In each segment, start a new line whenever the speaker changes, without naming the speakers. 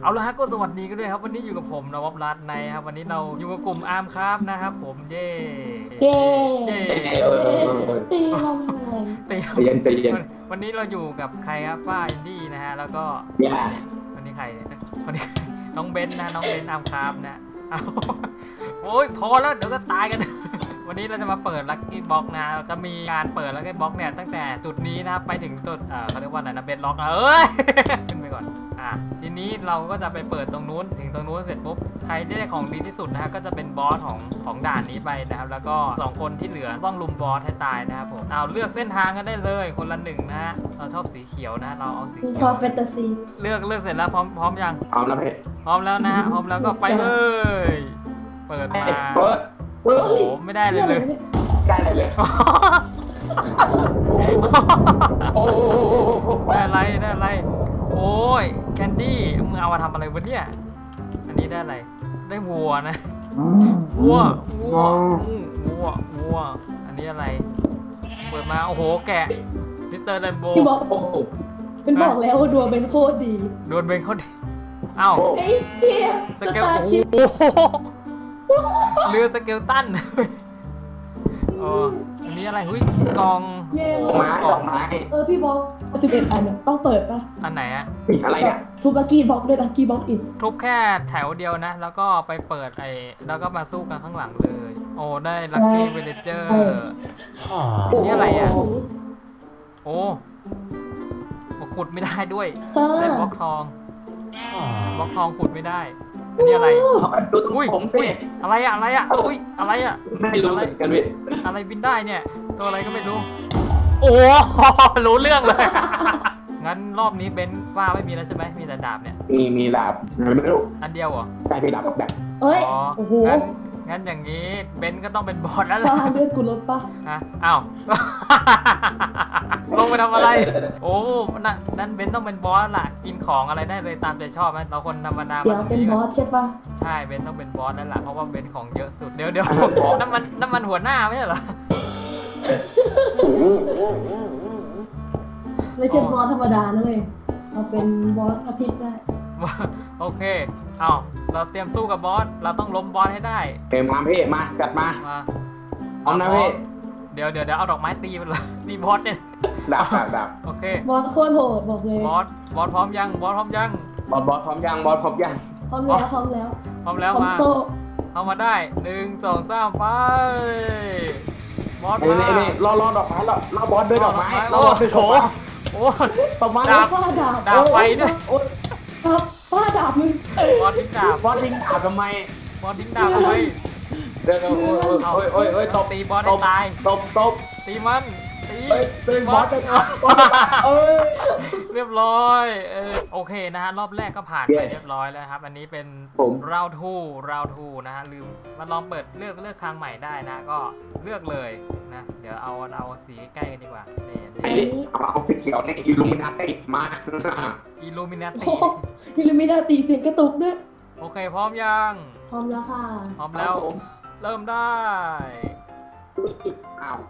เอาละฮะก็สวัสดีกันด้วยครับวันนี้อยู่กับผมนวับรัตน์ในครับวันนี้เราอยู่กับกลุ่มอาร์มครับนะครับผมเย่
เย่
ตี
ลงเลย
ตีเย็นวันนี้เราอยู่กับใครครับฝ้าอินดี้นะฮะแล้วก็วันนี้ใครวันนี้น้องเบนนะน้องเบนอาร์มครับนะโอ้ยพอแล้วเดี๋ยวก็ตายกันวันนี้เราจะมาเปิดลัคกี้บ็อกนะจะมีการเปิดลัคกี้บ็อกเนี่ยตั้งแต่จุดนี้นะครับไปถึงจุดเขาเรียกว่าอะไรนะเบนล็อกขึ้นไปก่อนทีนี้เราก็จะไปเปิดตรงนู้นถึงตรงนู้นเสร็จปุ๊บใครที่ได้ของดีที่สุดนะฮะก็จะเป็นบอสของด่านนี้ไปนะครับแล้วก็2คนที่เหลือต้องลุมบอสให้ตายนะครับผมเอาเลือกเส้นทางกันได้เลยคนละ1นะฮะเราชอบสีเขียวนะเราเอาสีเขียว
พอแฟนตาซี
เลือกเสร็จแล้วพร้อมยัง
พร้อมแล้วพี่
พร้อมแล้วนะฮะพร้อมแล้วก็ไปเลยเปิดมาโอ้โหไม่ได้เลย
ได้เลย
ได้อะไรโอ้ยแคนดี้มึงเอามาทำอะไรวะเนี่ยอันนี้ได้อะไรได้วัวนะวัวอันนี้อะไรเปิดมาโอ้โหแกะมิสเตอร์แลมโบ
ที่บอกเป็นบอกแล้วว่าดวงเป็นโคตรดี
ดวงเป็นโคตรดีอ้าว
ไอ้เหี้ย
สเกลเรือสเกลตันอันนี้อะไรหุ้ยกอง
ไม้
พี่บอก11อันเนี่ยต้องเปิดป่ะ
อันไหนอะ
อะไรเนี่ย
ทุบลัคกี้บ็อกด้วยลัคกี้บ็อกอีก
ทุบแค่แถวเดียวนะแล้วก็ไปเปิดแล้วก็มาสู้กันข้างหลังเลยโอ้ได้ลัคกี้วิลเลเจอร์นี่อะไรอะโอ้ขุดไม่ได้ด้วยได้บล็อกทองขุดไม่ได้อันนี้อะไร
อุ้ยผมสิ
อะไรอะอุ้ยอะไรอะ
ไม่รู้กันพี่
อะไรบินได้เนี่ยตัวอะไรก็ไม่รู้โอ้รู้เรื่องเลยงั้นรอบนี้เบนว่าไม่มีแล้วใช่ไหมมีแต่ดาบเนี่ย
มีดาบไม่รู้
อันเดียวเหรอ
ใช่พี่ดาบแบบ
เอ้ยโอ้โห
งั้นอย่างนี้เบนก็ต้องเป็นบอสแล้วล่ะ
เลือดกูลดปะ
อ้าวลงไปทำอะไรโอ้นั่นเบนต้องเป็นบอสล่ะกินของอะไรได้เลยตามใจชอบไหมเราคนธรรมดา
เดี๋ยวเป็นบอสใช่ปะ
ใช่เบนต้องเป็นบอสแล้วล่ะเพราะว่าเบนของเยอะสุดเดี๋ยวน้ำมันหัวหน้าไม่ใช่เหรอ
ไม่ใช่บอสธรรมดานะเว้ยเราเป็นบอสอาทิตย์ได้
โอเคเราเตรียมสู้กับบอสเราต้องล้มบอสให้ได้
มาพี่มาจัดมาเอานะพี่
เดี๋ยวเอาดอกไม้ตีมันเลยตีบอสเนี่ย
ดับ
โอเค
บอสโคตรโหดบอกเลย
บอสพร้อมยังบอสพร้อมยัง
พร้อมแล้ว
มาเอามาได้1 2 3ไปบอส
นี่รอดอกไม้รอบอสด้วยดอกไม้
โอ้โห
ดอกไม้
ดาบไฟด้วย
ฟ้าดาบมึง
บอสทิ้งดาบ
ทำไม
เดี๋ยว
โอ้ย
ตบตีบอสให้ตาย
ตบ
ตีมัน
ตีบอส
เรียบร้อยโอเคนะฮะรอบแรกก็ผ่านไปเรียบร้อยแล้วครับอันนี้เป็นราวทูนะฮะลืมมาลองเปิดเลือกทางใหม่ได้นะก็เลือกเลยนะเดี๋ยวเอาสีใกล้กันดีกว่า
เอาสีเขียวเนี่ยอิลูมินาติมา
อิลูมินา
ติเสียงกระตุกด้วย
โอเคพร้อมยัง
พร้อมแล้วค่ะ
พร้อมแล้วเริ่มได้
อ้าว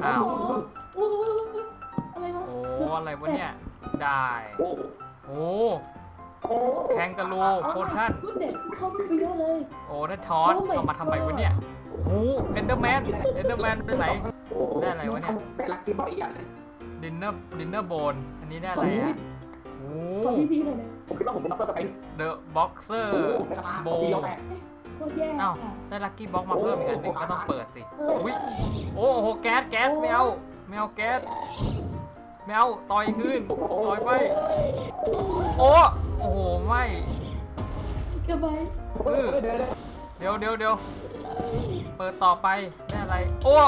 อะไรวะ
อะไรวะเนี่ยได้โอ้แคนการูโพชั่น
เด็กเข้าไปเยอะเลย
โอ้ได้ช้อนเอามาทำไมวะเนี่ยโอ้เอนเดอร์แมนเป็นไหนได้อะไรวะเนี่ย
ได้ลัคกี้บ็อกอีกอย่างนึง
ดินเนอร์โบนอันนี้ได้อะไรอ่ะโอ้
พี่เลยนะ
ผมคิดว่าผมเป็นด็อกเตอร์สไปน์
เดอะบ็อกเซอร์โบอ้าวได้ลัคกี้บ็อกมาเพิ่มอีกอันนึงก็ต้องเปิดสิอุ้ยโอ้โหแก๊สไม่เอาแก๊สไม่เอาต่อยขึ้นต่อยไปโอ้โหไม่
กระบาย
เดี๋ยวเปิดต่อไปได้อะไรโอ้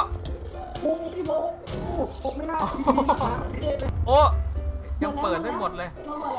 ยังเปิดได้หมดเลย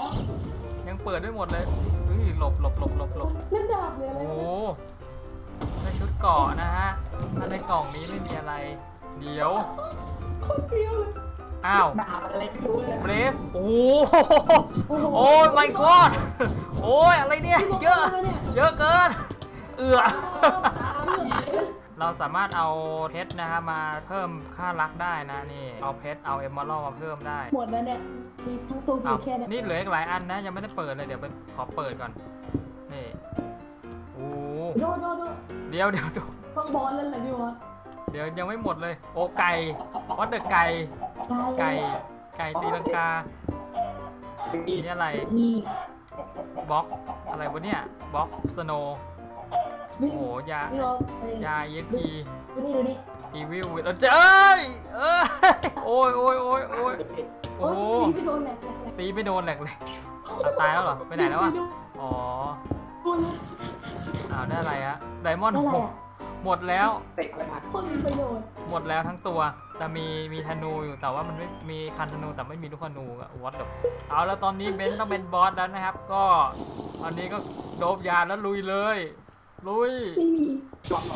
หลบ
เล่นดาบเลย
โอ้ในชุดเกาะนะฮะถ้าในกล่องนี้ไม่มีอะไรเดี๋ยว
คนเดียวเลย
อ้าวเบรสโอ้ my god โอ้ยอะไรเนี่ยเยอะเกินเราสามารถเอาเพชรนะครับมาเพิ่มค่ารักได้นะนี่เอาเพชรเอาเอมเมอรัลมาเพิ่มได้
หมดแล้วเนี่ยมีทั้งตัวอ
อ้าว
ยู่แค่เนี่ย
นี่เหลืออีกหลายอันนะยังไม่ได้เปิดเลยเดี๋ยวไปขอเปิดก่อนนี่โอ้
โดโด
เดี๋ยว
ต้องบอลแล้วแหละพี่วอส
เดี๋ยวยังไม่หมดเลยโอ้ไก่วัดเดอะไก่ไก่ตีลังกานี่อะไร
นี่
บล็อกอะไรวะเนี่ยบล็อกสโนว์โอ้โหยา
พี่วอสอะไร
ยา EXP
ดูนี่
อีวิลเราจะเอ้ยโอ้ยโอ้ย
โอ้
โอ้
ย
โห
ตีไปโดนแหลก
ตีไม่โดนแหลกเลยเอาตายแล้วเหรอไปไหนแล้ววะอ๋อ
โดน
อ้าวได้อะไรฮะไดมอนด์
อะไร
หก
อ่ะ
หมดแล้ว
เสร็จแล้วนะ
คนมีประโยชน์
หมดแล้วทั้งตัวแต่มีธนูอยู่แต่ว่ามันไม่มีคันธนูแต่ไม่มีลูกธนูอะวัดแบบเอาแล้วตอนนี้เบนต้องเป็นบอสแล้วนะครับ ก็ตอนนี้ก็โดบยาแล้วลุยเลยลุย
ไม่มี
จบ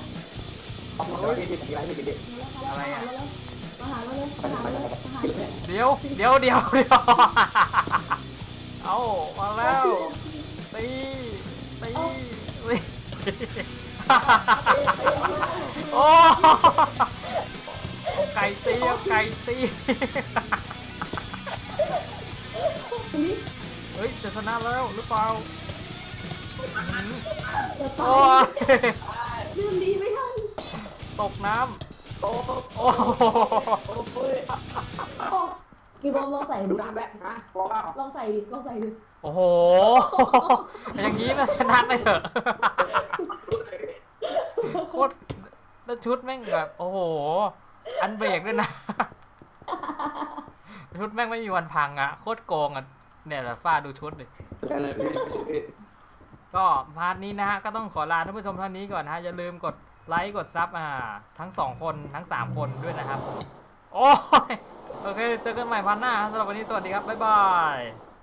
อะไร
มาหาเราเลยมาหาเราเลย
เดี๋ยวเอามาแล้วตีโอ้เอาไก่ตีเฮ้ยจะชนะแล้วหรือเปล่า
จะตา
โอ้
ย
ย
ลืมดีไม่ทัน
ตกน้ำโอ้โห
โอ้พี่บอมลองใส่
ดู
ดู
น้ำแบบนะเพราะว่า
ลองใส่ดิ
โอ้โหอย่างนี้มาชนะไปเถอะโคตรแล้วชุดแม่งแบบโอ้โหอันเบรกด้วยนะชุดแม่งไม่มีวันพังอ่ะโคตรโกงอ่ะเนี่ยแหละฟ้าดูชุดดิก็พาร์ทนี้นะฮะก็ต้องขอลาท่านผู้ชมเท่านี้ก่อนนะฮะอย่าลืมกดไลค์กดซับทั้ง2คนทั้ง3คนด้วยนะครับโอ้ยโอเคเจอกันใหม่พาร์ทหน้าสำหรับวันนี้สวัสดีครับบ๊ายบาย